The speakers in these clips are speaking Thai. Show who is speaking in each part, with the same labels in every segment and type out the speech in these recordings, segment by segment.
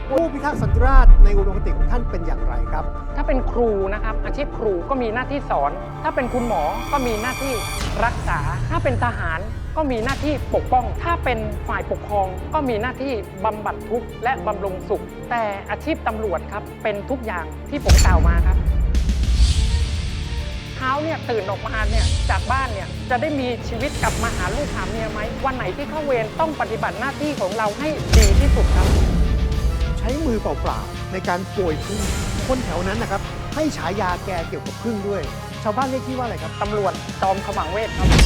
Speaker 1: ผู้พิทักษ์สันติราษฎร์ในอุดมคติของท่านเป็นอย่างไรครับ
Speaker 2: ถ้าเป็นครูนะครับอาชีพครูก็มีหน้าที่สอน ถ้าเป็นคุณหมอก็มีหน้าที่รักษา ถ้าเป็นทหารก็มีหน้าที่ปกป้อง ถ้าเป็นฝ่ายปกครองก็มีหน้าที่บำบัดทุกข์และบำรุงสุข แต่อาชีพตำรวจครับเป็นทุกอย่างที่ผมกล่าวมาครับเช้าเนี่ยตื่นออกมาเนี่ยจากบ้านเนี่ยจะได้มีชีวิตกลับมาหาลูกหาเมียไหมวันไหนที่เข้าเวรต้องปฏิบัติหน้าที่ของเราให้ดีที่สุดครับ
Speaker 1: ใช้มือเปล่าๆในการโกยพึ่งคนแถวนั้นนะครับให้ฉายาแกเกี่ยวกับพึ่งด้วย ชาวบ้านเรียกที่ว่าอะไรครับ
Speaker 2: ตำรวจจอมขมังเวทครับ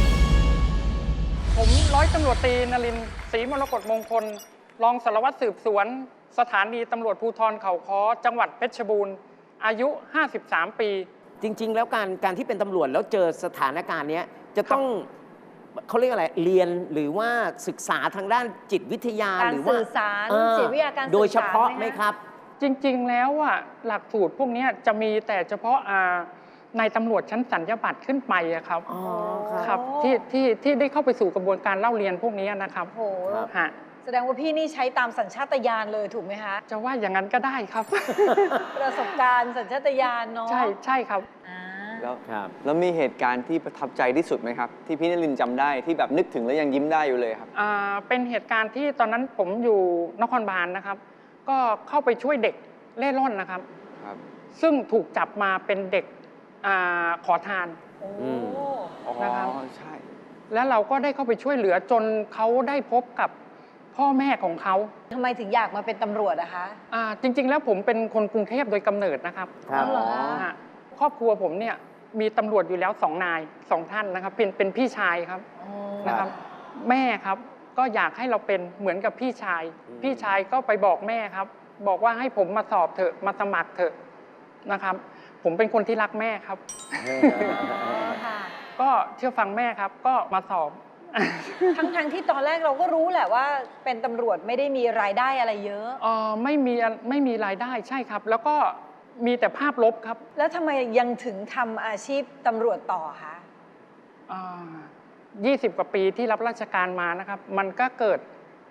Speaker 2: ผมร้อยตำรวจตรีนรินทร์ศรีมรกตมงคล รองสารวัตรสืบสวน สถานีตำรวจภูธรเขาค้อจังหวัดเพชรบูรณ์ อายุ 53 ปี
Speaker 3: จริง ๆ แล้วการที่เป็นตำรวจแล้วเจอสถานการณ์นี้จะต้องเขาเรียกอะไรเรียนหรือว่าศึกษาทางด้านจิตวิทยา
Speaker 4: การ
Speaker 3: หรือว่า
Speaker 4: สื่อสารจิตวิทยาการสื่อสาร
Speaker 3: โดยเฉพาะไหมครับ
Speaker 2: จริงๆ แล้วอ่ะหลักสูตรพวกนี้จะมีแต่เฉพาะในตำรวจชั้นสัญญาบัตรขึ้นไปอะครับ
Speaker 3: อ๋อ
Speaker 2: ครับที่ได้เข้าไปสู่กระบวนการเล่าเรียนพวกนี้นะครับ
Speaker 4: โอ้โห
Speaker 2: ฮะ
Speaker 4: แสดงว่าพี่นี่ใช้ตามสัญชาตญาณเลยถูกไหมคะ
Speaker 2: จะว่าอย่างนั้นก็ได้ครับ
Speaker 4: ประสบการณ์สัญชาตญาณเนาะ
Speaker 2: ใช่ครับ
Speaker 4: อ่า
Speaker 5: แล้ว
Speaker 3: ครับ
Speaker 5: แล้วมีเหตุการณ์ที่ประทับใจที่สุดไหมครับ ที่พี่นรินทร์จำได้ที่แบบนึกถึงแล้วยังยิ้มได้อยู่เลยครับ
Speaker 2: เป็นเหตุการณ์ที่ตอนนั้นผมอยู่นครบาลนะครับ ก็เข้าไปช่วยเด็กเล่ร่อนนะครับ
Speaker 5: ครับ
Speaker 2: ซึ่งถูกจับมาเป็นเด็กขอทาน
Speaker 4: โอ้
Speaker 3: อืม
Speaker 5: อ๋อ
Speaker 2: นะครับ
Speaker 5: ใช่
Speaker 2: แล้วเราก็ได้เข้าไปช่วยเหลือจนเขาได้พบกับพ่อแม่ของเขา
Speaker 4: ทำไมถึงอยากมาเป็นตำรวจอะคะ
Speaker 2: จริง ๆ แล้วผมเป็นคนกรุงเทพโดยกำเนิดนะครับ
Speaker 3: ครับ
Speaker 4: อ๋อเหรอ
Speaker 2: ฮะครอบครัวผมเนี่ยมีตำรวจอยู่แล้ว2 นาย 2 ท่านนะครับเป็นพี่ชายครับ
Speaker 4: อ๋อ
Speaker 2: นะครับ แม่ครับก็อยากให้เราเป็นเหมือนกับพี่ชาย พี่ชายก็ไปบอกแม่ครับ บอกว่าให้ผมมาสอบเถอะมาสมัครเถอะนะครับ ผมเป็นคนที่รักแม่ครับ
Speaker 4: อ๋อค่ะ
Speaker 2: ก็เชื่อฟังแม่ครับ ก็มาสอบ
Speaker 4: ทั้งที่ตอนแรกเราก็รู้แหละว่าเป็นตำรวจไม่ได้มีรายได้อะไรเยอะ
Speaker 2: ไม่มีรายได้ใช่ครับ แล้วก็มีแต่ภาพลบครับ
Speaker 4: แล้วทำไมยังถึงทำอาชีพตำรวจต่อคะ
Speaker 2: 20 กว่าปีที่รับราชการมานะครับ มันก็เกิด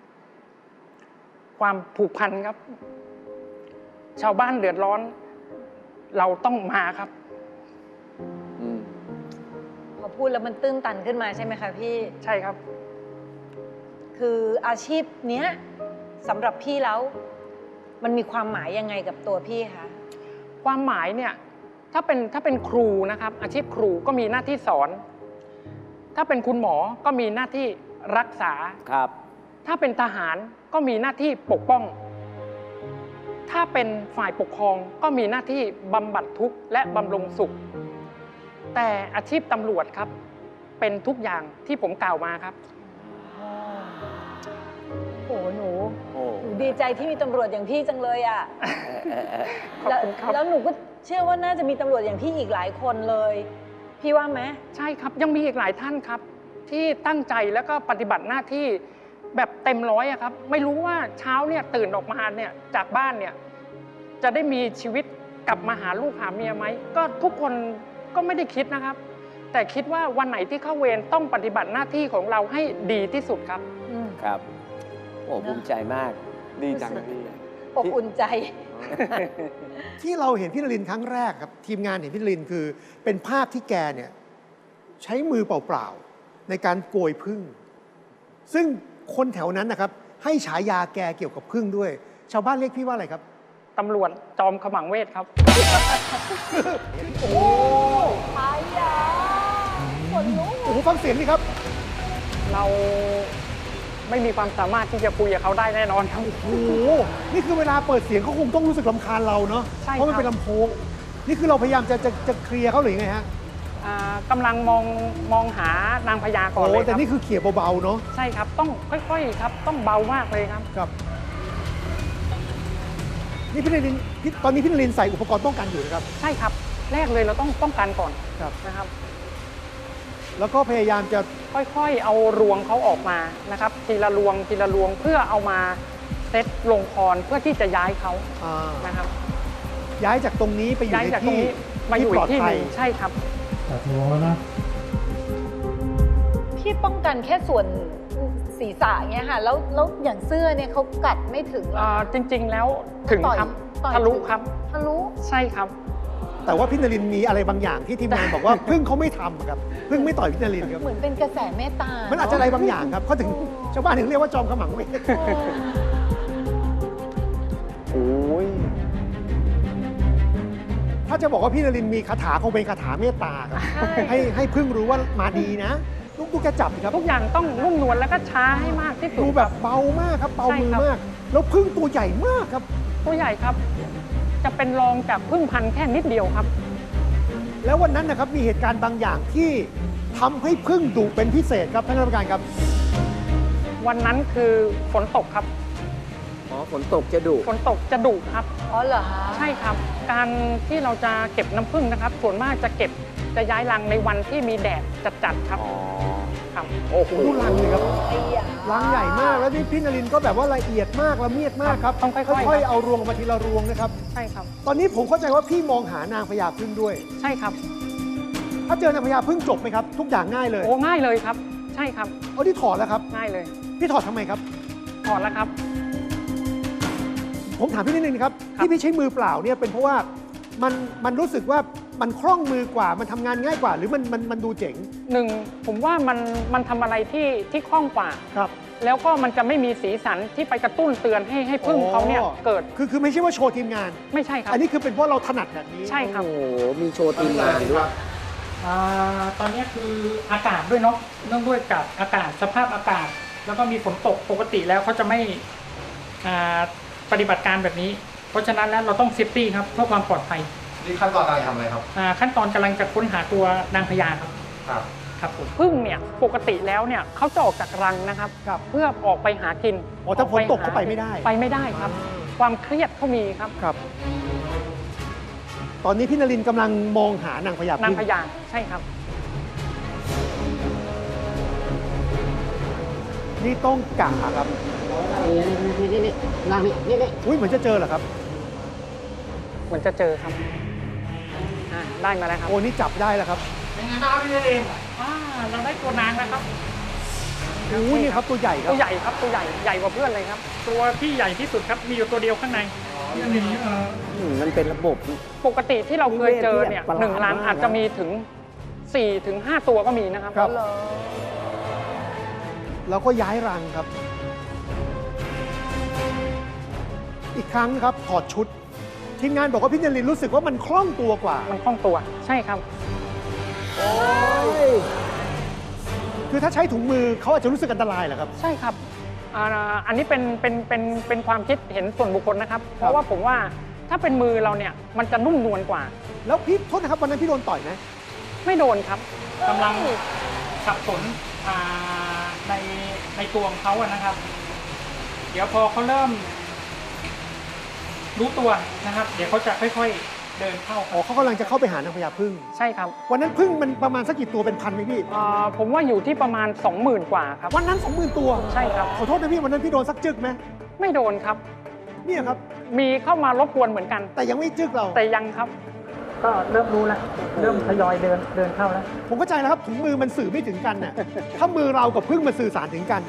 Speaker 2: ความผูกพันครับ ชาวบ้านเดือดร้อน เราต้องมาครับ
Speaker 5: อืม
Speaker 4: พอพูดแล้วมันตื้นตันขึ้นมาใช่ไหมคะพี่
Speaker 2: ใช่ครับ
Speaker 4: คืออาชีพเนี้ยสำหรับพี่แล้ว มันมีความหมายยังไงกับตัวพี่คะ
Speaker 2: ความหมายเนี่ยถ้าเป็นครูนะครับ อาชีพครูก็มีหน้าที่สอน ถ้าเป็นคุณหมอก็มีหน้าที่รักษา
Speaker 3: ครับ
Speaker 2: ถ้าเป็นทหารก็มีหน้าที่ปกป้อง ถ้าเป็นฝ่ายปกครองก็มีหน้าที่บำบัดทุกข์และบำรุงสุข แต่อาชีพตำรวจครับ เป็นทุกอย่างที่ผมกล่าวมาครับ
Speaker 4: โอ้โหหนู
Speaker 3: โอ้
Speaker 4: หนูดีใจที่มีตำรวจอย่างพี่จังเลยอ่ะ
Speaker 2: ขอบคุณครับ
Speaker 4: แล้วหนูก็เชื่อว่าน่าจะมีตำรวจอย่างพี่อีกหลายคนเลย พี่ว่าไหม
Speaker 2: ใช่ครับยังมีอีกหลายท่านครับ ที่ตั้งใจแล้วก็ปฏิบัติหน้าที่แบบเต็มร้อยอะครับ ไม่รู้ว่าเช้าเนี่ยตื่นออกมาเนี่ยจากบ้านเนี่ยจะได้มีชีวิตกลับมาหาลูกหาเมียไหมก็ทุกคนก็ไม่ได้คิดนะครับ แต่คิดว่าวันไหนที่เข้าเวรต้องปฏิบัติหน้าที่ของเราให้ดีที่สุดครับ
Speaker 3: ครับ โอ้ภูมิใจมาก
Speaker 5: ดีจังเลยพี่
Speaker 4: อบอุ่นใจ
Speaker 1: ที่เราเห็นพี่นรินทร์ครั้งแรกครับทีมงานเห็นพี่นรินทร์คือเป็นภาพที่แกเนี่ยใช้มือเปล่าๆในการโกยพึ่ง ซึ่งคนแถวนั้นนะครับให้ฉายาแกเกี่ยวกับพึ่งด้วย ชาวบ้านเรียกพี่ว่าอะไรครับ
Speaker 2: ตำรวจจอมขมังเวทครับ
Speaker 1: โอ้โห
Speaker 4: ไอ้ยาคนลุก
Speaker 1: โอ้โหฟังเสียงดิครับ
Speaker 2: เราไม่มีความสามารถที่จะคุยกับเขาได้แน่นอนครับ
Speaker 1: โอ้โหนี่คือเวลาเปิดเสียงเขาคงต้องรู้สึกรำคาญเราเนาะ
Speaker 2: ใช่ครับ
Speaker 1: เพราะมันเป็นลำโพงนี่คือเราพยายามจะเคลียร์เขาหรือยังไงฮะ
Speaker 2: กำลังมองหานางพญาก่อน
Speaker 1: โอ้
Speaker 2: เลยค
Speaker 1: แต่
Speaker 2: รับ
Speaker 1: นี่คือเขี่ยเบาๆเนาะ
Speaker 2: ใช่ครับต้องค่อยๆครับต้องเบามากเลยครับ
Speaker 1: ครับนี่พี่นรินทร์ตอนนี้พี่นรินทร์ใส่อุปกรณ์ป้องกันอยู่นะครับ
Speaker 2: ใช่ครับแรกเลยเราต้องป้องกันก่อน
Speaker 1: ครับ
Speaker 2: นะครับ
Speaker 1: แล้วก็พยายามจะ
Speaker 2: ค่อยๆเอารวงเขาออกมานะครับทีละรวงทีละรวงเพื่อเอามาเซตลงคอนเพื่อที่จะย้ายเขา
Speaker 1: อ่า
Speaker 2: นะครับ
Speaker 1: ย้ายจากตรงนี้ไปอยู่
Speaker 2: ย้าย
Speaker 1: ใน
Speaker 2: จากตรง
Speaker 1: ที่
Speaker 2: นี้มาอยู่
Speaker 1: ป
Speaker 2: อี
Speaker 1: ลอก ด
Speaker 2: ที่ห
Speaker 1: ภัย
Speaker 2: นึ่งใช่ครับ
Speaker 4: พี่ป้องกันแค่ส่วนศีรษะเงี้ยค่ะแล้วอย่างเสื้อเนี่ยเขากัดไม่ถึงเหรอ
Speaker 2: จริงๆแล้วถึงครับ
Speaker 4: ต่อย
Speaker 2: ทะลุครับ
Speaker 4: ทะลุ
Speaker 2: ใช่ครับ
Speaker 1: แต่ว่าพี่นรินทร์มีอะไรบางอย่างที่ทีมงานบอกว่าพึ่งเขาไม่ทำครับพึ่งไม่ต่อยพี่นรินทร์ครับ
Speaker 4: เหมือนเป็นกระแสเมตตา
Speaker 1: มันอาจจะอะไรบางอย่างครับเขาถึงชาวบ้านถึงเรียกว่าจอมขมังเวท
Speaker 5: โอ้ย
Speaker 1: ถ้าจะบอกว่าพี่นรินทร์มีคาถาคงเป็นคาถาเมตตาครับให้พึ่งรู้ว่ามาดีนะลูกแกจับสิครับ
Speaker 2: ทุกอย่างต้องนุ่มนวลแล้วก็ช้าให้มากที่สุด
Speaker 1: ดูแบบเบามากครับเบา
Speaker 2: ใช่
Speaker 1: มือ
Speaker 2: ครับ
Speaker 1: มาก แล้วพึ่งตัวใหญ่มากครับ
Speaker 2: ตัวใหญ่ครับ จะเป็นรองจากพึ่งพันธุ์แค่นิดเดียวครับ
Speaker 1: แล้ววันนั้นนะครับมีเหตุการณ์บางอย่างที่ทำให้พึ่งดุเป็นพิเศษครับท่านกรรมการครับ
Speaker 2: วันนั้นคือฝนตกครับ
Speaker 3: อ๋อฝนตกจะดุ
Speaker 2: ฝนตกจะดุครับ
Speaker 4: อ๋อเหรอคะ
Speaker 2: ใช่ครับ การที่เราจะเก็บน้ำผึ้งนะครับ ส่วนมากจะย้ายรังในวันที่มีแดดจัดๆครับ
Speaker 5: อ๋อ
Speaker 2: ครับ
Speaker 1: โอ้โหดูรังเลยครับ
Speaker 4: ไอ้ยา
Speaker 1: รังใหญ่มากแล้วนี่พี่นรินทร์ก็แบบว่าละเอียดมากละเมียดมากครับ
Speaker 2: ต้องค่อยๆ
Speaker 1: ๆเอารวงออกมาทีละรวงนะครับ
Speaker 2: ใช่ครับ
Speaker 1: ตอนนี้ผมเข้าใจว่าพี่มองหานางพญาพึ่งด้วย
Speaker 2: ใช่ครับ
Speaker 1: ถ้าเจอนางพญาพึ่งจบไหมครับ ทุกอย่างง่ายเลย
Speaker 2: โอ้ง่ายเลยครับ ใช่ครับ
Speaker 1: เอาที่ถอดแล้วครับ
Speaker 2: ง่ายเลย
Speaker 1: พี่ถอดทำไมครับ
Speaker 2: ถอดแล้วครับ
Speaker 1: ผมถามพี่นิดนึงนะครับ
Speaker 2: ครับ
Speaker 1: ที่พี่ใช้มือเปล่าเนี่ยเป็นเพราะว่ามันรู้สึกว่ามันคล่องมือกว่ามันทำงานง่ายกว่า หรือมันดูเจ๋ง
Speaker 2: หนึ่งผมว่ามันทำอะไรที่คล่องกว่า
Speaker 1: ครับ
Speaker 2: แล้วก็มันจะไม่มีสีสันที่ไปกระตุ้นเตือนให้พึ่งเขาเนี่ย
Speaker 1: อ๋อ
Speaker 2: เกิด
Speaker 1: คือไม่ใช่ว่าโชว์ทีมงาน
Speaker 2: ไม่ใช่ครับ
Speaker 1: อันนี้คือเป็นเพราะเราถนัดแบบนี้
Speaker 2: ใช่ครับ
Speaker 3: โอ้โหมีโชว์ทีมงานด้วย
Speaker 2: ตอนนี้คืออากาศด้วยเนาะเนื่องด้วยกับอากาศสภาพอากาศ แล้วก็มีฝนตกปกติแล้วเขาจะไม่ปฏิบัติการแบบนี้ เพราะฉะนั้นแล้วเราต้องเซฟตี้ครับเพื่อความปลอดภัย
Speaker 6: นี่ขั้นตอนการทำอะไรครับ
Speaker 2: ขั้นตอนกำลังจะค้นหาตัวนางพญาครับ
Speaker 6: ครับ
Speaker 2: ครับผมพึ่งเนี่ยปกติแล้วเนี่ยเขาจะออกจากรังนะครับ
Speaker 1: ครับ
Speaker 2: เพื่อออกไปหากิน
Speaker 1: อ๋อถ้าฝนตกเขาไปไม่ได้
Speaker 2: ไปไม่ได้ครับ ความเครียดเขามีครับ
Speaker 1: ครับ ตอนนี้พี่นรินทร์กำลังมองหานางพญาพึ่
Speaker 2: นางพญาใช่ครับ
Speaker 1: นี่ต้องกะครับ
Speaker 3: นี่นั่งนี่
Speaker 1: อุ้ยเหมือนจะเจอเหรอครับ
Speaker 2: เหมือนจะเจอครับได้มาแล้วครับ
Speaker 1: โอ้นี่จับได้แล้วครับ
Speaker 2: เป็นไงบ้างครับพี่เองเราได้ตัวนางแล้วครับ
Speaker 1: อุ้ยนี่ครับตัวใหญ่ครั
Speaker 2: ตั
Speaker 1: บ
Speaker 2: วใหญ่ครับตัวใหญ่กว่าเพื่อนเลยครับ ตัวที่ใหญ่ที่สุดครับมีอยู่ตัวเดียวข้างใน
Speaker 3: มันเป็นระบบ
Speaker 2: ปกติที่เราเคยเจอเนี่ย
Speaker 3: ประหลาด
Speaker 2: หนึ่งรัง
Speaker 3: มาก
Speaker 2: อาจจะมีถึง4 ถึง 5 ตัวก็มีนะครับ
Speaker 1: ครับ
Speaker 4: เหรอ
Speaker 1: แล้วก็ย้ายรังครับ อีกครั้งครับถอดชุด ทีมงานบอกว่าพี่นรินทร์รู้สึกว่ามันคล่องตัวกว่า
Speaker 2: มันคล่องตัวใช่ครับ
Speaker 1: คือถ้าใช้ถุงมือเขาอาจจะรู้สึกอันตรายเหรอครับ
Speaker 2: ใช่ครับอันนี้เป็นความคิดเห็นส่วนบุคคลนะครับ เพราะว่าผมว่าถ้าเป็นมือเราเนี่ยมันจะนุ่มนวลกว่า
Speaker 1: แล้วพี่โทษนะครับวันนั้นพี่โดนต่อยไหม
Speaker 2: ไม่โดนครับกำลังสับสนในตัวของเขาอะนะครับ เดี๋ยวพอเขาเริ่มรู้ตัวนะครับ เดี๋ยวเขาจะค่อยๆเดินเข้า
Speaker 1: อ๋อเขากำลังจะเข้าไปหานางพญาพึ่ง
Speaker 2: ใช่ครับ
Speaker 1: วันนั้นพึ่งมันประมาณสักกี่ตัวเป็นพันไหมพี่
Speaker 2: ผมว่าอยู่ที่ประมาณ 20,000 กว่าครับ
Speaker 1: วันนั้น 20,000 ตัว
Speaker 2: ใช่ครับ
Speaker 1: ขอโทษนะพี่วันนั้นพี่โดนสักจึกไหม
Speaker 2: ไม่โดนครับ
Speaker 1: เนี่ยครับ
Speaker 2: มีเข้ามารบกวนเหมือนกัน
Speaker 1: แต่ยังไม่จึกเรา
Speaker 2: แต่ยังครับ ก็เริ่มรู้แล้ว เริ่มทยอยเดินเข้าแล้ว
Speaker 1: ผมเข้าใจแล้วครับถุงมือมันสื่อไม่ถึงกันน่ะ ถ้ามือเรากับพึ่งมันสื่อสารถึงกัน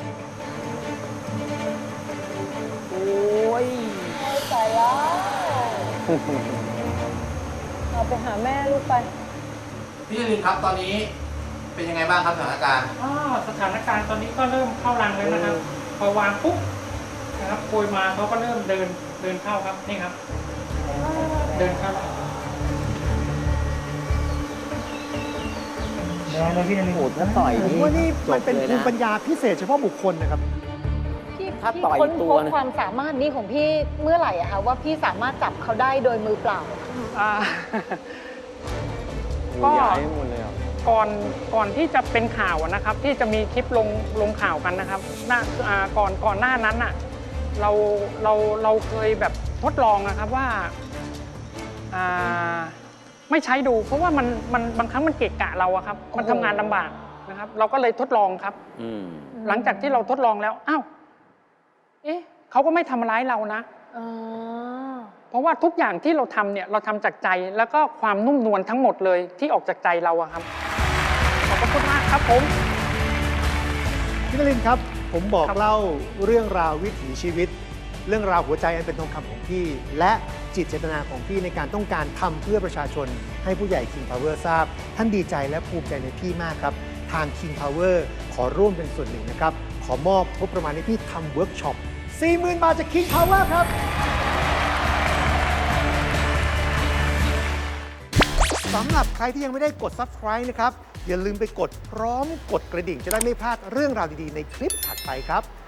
Speaker 3: โอ้ย
Speaker 4: ใส่แล้วเอาไปหาแม่ลูกไป
Speaker 6: พี่นรินทร์ครับตอนนี้เป็นยังไงบ้างครับสถานการณ์
Speaker 2: สถานการณ์ตอนนี้ก็เริ่มเข้ารังแล้วนะครับ พอวางปุ๊บนะครับโกยมาเขาก็เริ่มเดินเข้าครับนี่ครับ เดินเข้าแล้วเลยพี่นรินทร์
Speaker 3: โหดถ้าต่อย
Speaker 1: ผม
Speaker 3: นี่
Speaker 1: ว่านี่
Speaker 3: จ
Speaker 1: มัน
Speaker 3: บ
Speaker 1: เป็น
Speaker 3: เลย
Speaker 1: ภู
Speaker 3: นะ
Speaker 1: มิปัญญาพิเศษเฉพาะบุคคลนะครับ
Speaker 4: พี่
Speaker 3: ถ้า
Speaker 4: พี่
Speaker 3: ต่อย
Speaker 4: ค้น
Speaker 3: ตั
Speaker 4: พ
Speaker 3: ว
Speaker 4: บ
Speaker 3: นะ
Speaker 4: ความสามารถนี้ของพี่เมื่อไหร่อะคะว่าพี่สามารถจับเขาได้โดยมือเปล่า
Speaker 2: อ่า
Speaker 5: ก็ย้ายหมดเลยอ่ะ
Speaker 2: ก่อนที่จะเป็นข่าวอะนะครับ ที่จะมีคลิปลงข่าวกันนะครับก่อนหน้านั้นอ่ะเราเคยแบบทดลองนะครับว่าไม่ใช้ดู เพราะว่ามันบางครั้งมันเกะกะเราอะครับ มันทำงานลำบากนะครับ เราก็เลยทดลองครับ
Speaker 3: อืม
Speaker 2: หลังจากที่เราทดลองแล้วอ้าวเอ๊ะเขาก็ไม่ทำร้ายเรานะ
Speaker 4: อ๋อ
Speaker 2: เพราะว่าทุกอย่างที่เราทำเนี่ยเราทำจากใจแล้วก็ความนุ่มนวลทั้งหมดเลยที่ออกจากใจเราอะครับขอบพระคุณมากครับผม
Speaker 1: พี่นรินทร์ครับ ผผมบอก
Speaker 2: ครับ
Speaker 1: เล่าเรื่องราววิถีชีวิต เรื่องราวหัวใจอันเป็นทองคำของพี่ และจิตเจตนาของพี่ในการต้องการทำเพื่อประชาชนให้ผู้ใหญ่ King Power ทราบ ท่านดีใจและภูมิใจในพี่มากครับ ทาง King Power ขอร่วมเป็นส่วนหนึ่งนะครับ ขอมอบงบประมาณให้พี่ทำเวิร์กช็อป 40,000 บาทจาก King Power ครับ สำหรับใครที่ยังไม่ได้กด Subscribe นะครับ อย่าลืมไปกดพร้อมกดกระดิ่งจะได้ไม่พลาดเรื่องราวดีๆในคลิปถัดไปครับ